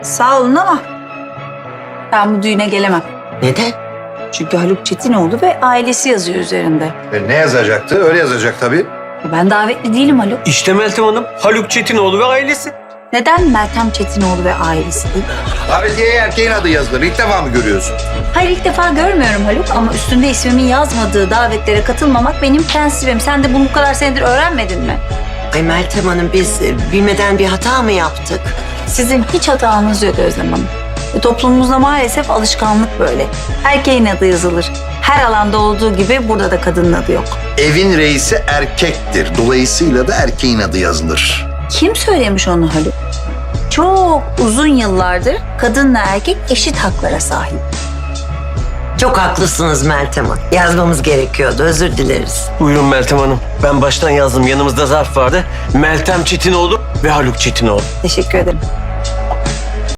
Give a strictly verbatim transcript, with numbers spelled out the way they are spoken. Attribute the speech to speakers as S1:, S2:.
S1: Sağ olun ama ben bu düğüne gelemem.
S2: Neden?
S1: Çünkü Haluk Çetinoğlu ve ailesi yazıyor üzerinde.
S3: E, ne yazacaktı? Öyle yazacak tabii.
S1: Ben davetli değilim Haluk.
S4: İşte Meltem Hanım, Haluk Çetinoğlu ve ailesi.
S1: Neden Meltem Çetinoğlu ve ailesi değil?
S3: Davetiyeye erkeğin adı yazılır. İlk defa mı görüyorsun?
S1: Hayır, ilk defa görmüyorum Haluk ama üstünde ismimin yazmadığı davetlere katılmamak benim prensibim. Sen de bunu bu kadar senedir öğrenmedin mi?
S2: Ay Meltem Hanım, biz e, bilmeden bir hata mı yaptık?
S1: Sizin hiç hatanız yok Özlem Hanım. Ve toplumumuzda maalesef alışkanlık böyle. Erkeğin adı yazılır. Her alanda olduğu gibi burada da kadının adı yok.
S3: Evin reisi erkektir. Dolayısıyla da erkeğin adı yazılır.
S1: Kim söylemiş onu Haluk? Çok uzun yıllardır kadınla erkek eşit haklara sahip.
S2: Çok haklısınız Meltem Hanım. Yazmamız gerekiyordu, özür dileriz.
S4: Buyurun Meltem Hanım. Ben baştan yazdım. Yanımızda zarf vardı. Meltem Çetinoğlu ve Haluk Çetinoğlu.
S1: Teşekkür ederim.